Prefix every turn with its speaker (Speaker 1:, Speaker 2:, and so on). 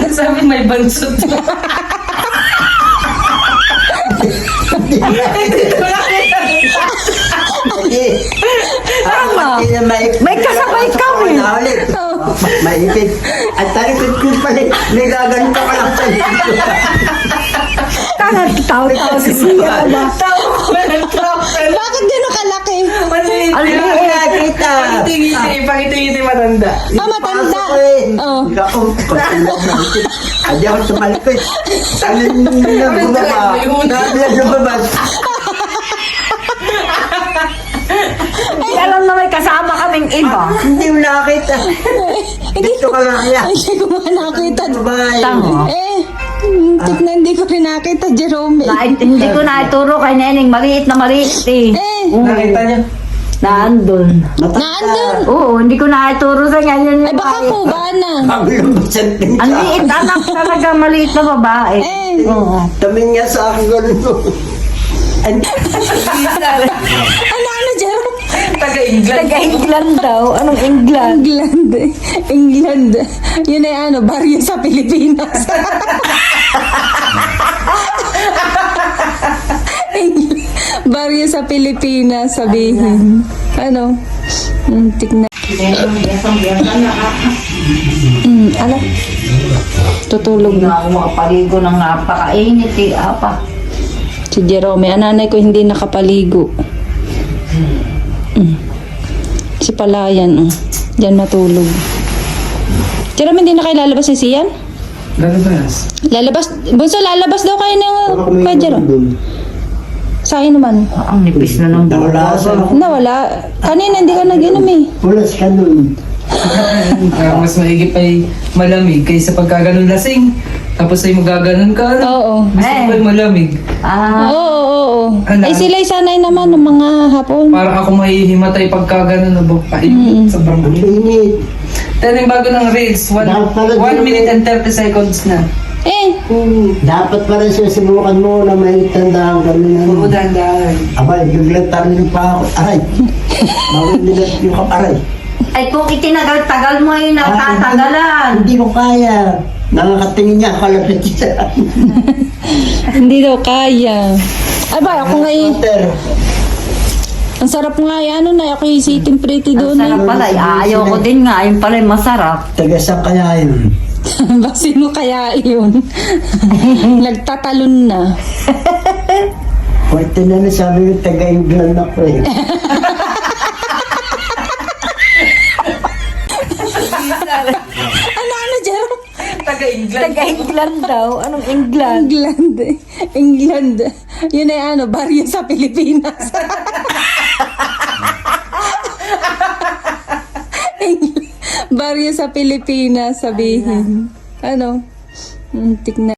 Speaker 1: Sabi may bansot.
Speaker 2: Tama.
Speaker 3: May kasabay kami.
Speaker 2: Maipit. At talikod ko pala, may gaganon ka lang sa dito.
Speaker 3: Tangat tao-tao si Siya ba?
Speaker 4: Bakit gano'n kalaki?
Speaker 1: Maliit.
Speaker 3: Ang liit.
Speaker 2: Kita.
Speaker 1: Pakita-ngiti matanda.
Speaker 4: Matanda. Oh.
Speaker 2: Ako, pagkulang na ito. Adi ako tumalikod. Ano nung bumaba? Bigla lumabas.
Speaker 3: Ay, alam na may kasama kaming iba.
Speaker 2: Hindi mo nakakita. Dito ka nga kaya.
Speaker 4: Hindi ko nga nakita.
Speaker 2: Babae.
Speaker 3: Tama.
Speaker 4: Tignan, hindi ko rin nakita, Jerome.
Speaker 3: Hindi ko na ituro kay Neneng. Maliit na maliit eh.
Speaker 1: Nakita niya?
Speaker 3: Naandun.
Speaker 4: Naandun.
Speaker 3: Oo, hindi ko na ituro sa kanya.
Speaker 4: Ay, baka kuba na.
Speaker 2: Ang lumbasan din
Speaker 3: Ang
Speaker 2: ka.
Speaker 3: liit, anak talaga maliit na babae. Oo.
Speaker 2: Tamin nga sa akin gano'n.
Speaker 4: Ano, Jerome?
Speaker 1: Taga-England.
Speaker 3: Taga-England daw. Anong England?
Speaker 4: England. Yun ay baryo sa Pilipinas. Baryo sa Pilipinas, sabihin. Ano? Tignan. Ano? Tutulog
Speaker 3: Hindi
Speaker 4: na.
Speaker 3: na ako makapaligo ng napakainit eh. Apa.
Speaker 4: Si Jerome, ang nanay ko hindi nakapaligo. Si Palayan, diyan matulog. Jerome, hindi na kayo lalabas ni Sian?
Speaker 1: Lalabas.
Speaker 4: Lalabas? Bunso, lalabas daw kayo ng kay Jerome. Sa akin naman.
Speaker 3: Ang nipis na ng
Speaker 2: Nawala sa
Speaker 4: Nawala. Kanina hindi ka nag-inom eh.
Speaker 2: pulas ka nun.
Speaker 1: Mas maigip ay malamig kaysa pagkaganon lasing. Tapos ay magaganon ka.
Speaker 4: Oo.
Speaker 1: Gusto ko ay malamig.
Speaker 4: Oo.
Speaker 1: Ano?
Speaker 4: Ay sila'y sanay naman ng mga hapon.
Speaker 1: Parang ako mahihimatay pagkaganon na bukay. Sobrang
Speaker 2: Ang
Speaker 1: init.
Speaker 2: init.
Speaker 1: Then yung bago ng reels, 1 minute and 30 seconds na.
Speaker 4: Eh,
Speaker 2: Dapat pa rin susubukan mo na may tandaan kami na.
Speaker 1: Oo, dahan-dahan.
Speaker 2: Abay, biglang tarin pa ako. Aray! Bawal nila yung kaparay.
Speaker 3: Ay kung itinagal-tagal mo ay natatagalan.
Speaker 2: Hindi ko kaya. Nakakatingin niya, kalapit siya.
Speaker 4: hindi daw kaya. Ay ba, ako nga eh.
Speaker 2: Water.
Speaker 4: Ang sarap nga eh. Ano na, ako yung sitting pretty
Speaker 3: Ang
Speaker 4: doon
Speaker 3: sarap
Speaker 4: eh.
Speaker 3: pala. Ayaw ko din nga. Yung pala masarap.
Speaker 2: Taga sa kaya yun.
Speaker 4: Ba, sino kaya yun? Nagtatalon na.
Speaker 2: Pwede na sabi yung taga-England ako eh.
Speaker 4: Ano, Jerome?
Speaker 1: Taga-England.
Speaker 3: Taga-England daw. Anong England?
Speaker 4: England. Yun ay baryo sa Pilipinas. Baryo sa Pilipinas, sabihin. Ano? Tignan.